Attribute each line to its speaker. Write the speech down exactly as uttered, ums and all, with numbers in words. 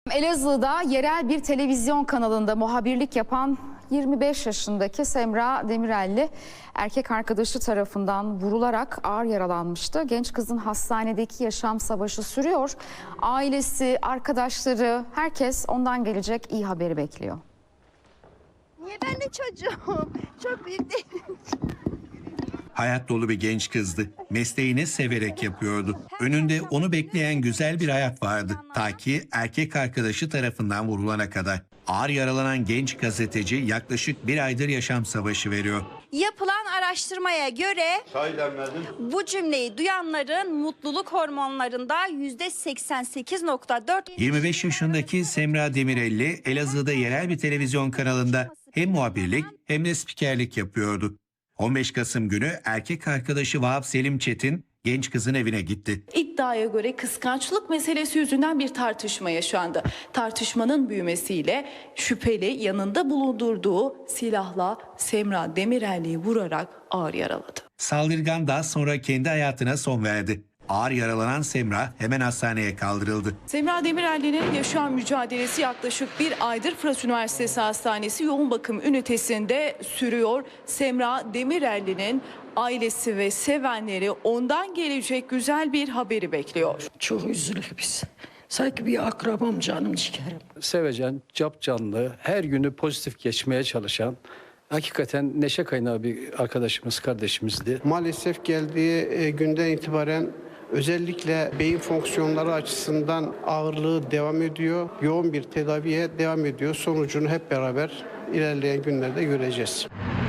Speaker 1: Elazığ'da yerel bir televizyon kanalında muhabirlik yapan yirmi beş yaşındaki Semra Demirelli erkek arkadaşı tarafından vurularak ağır yaralanmıştı. Genç kızın hastanedeki yaşam savaşı sürüyor. Ailesi, arkadaşları, herkes ondan gelecek iyi haberi bekliyor.
Speaker 2: Niye ben de çocuğum? Çok büyük değil.
Speaker 3: Hayat dolu bir genç kızdı. Mesleğini severek yapıyordu. Önünde onu bekleyen güzel bir hayat vardı. Ta ki erkek arkadaşı tarafından vurulana kadar. Ağır yaralanan genç gazeteci yaklaşık bir aydır yaşam savaşı veriyor.
Speaker 2: Yapılan araştırmaya göre bu cümleyi duyanların mutluluk hormonlarında yüzde seksen sekiz nokta dört.
Speaker 3: yirmi beş yaşındaki Semra Demirelli Elazığ'da yerel bir televizyon kanalında hem muhabirlik hem de spikerlik yapıyordu. on beş Kasım günü erkek arkadaşı Vahap Selim Çetin genç kızın evine gitti.
Speaker 4: İddiaya göre kıskançlık meselesi yüzünden bir tartışma yaşandı. Tartışmanın büyümesiyle şüpheli yanında bulundurduğu silahla Semra Demirelli'yi vurarak ağır yaraladı.
Speaker 3: Saldırgan daha sonra kendi hayatına son verdi. Ağır yaralanan Semra hemen hastaneye kaldırıldı.
Speaker 4: Semra Demirelli'nin yaşam mücadelesi yaklaşık bir aydır Fırat Üniversitesi Hastanesi yoğun bakım ünitesinde sürüyor. Semra Demirelli'nin ailesi ve sevenleri ondan gelecek güzel bir haberi bekliyor.
Speaker 5: Çok üzülür biz. Sanki bir akrabam, canım ciğerim.
Speaker 6: Sevecen, capcanlı, her günü pozitif geçmeye çalışan, hakikaten neşe kaynağı bir arkadaşımız, kardeşimizdi.
Speaker 7: Maalesef geldiği günden itibaren özellikle beyin fonksiyonları açısından ağırlığı devam ediyor. Yoğun bir tedaviye devam ediyor. Sonucunu hep beraber ilerleyen günlerde göreceğiz.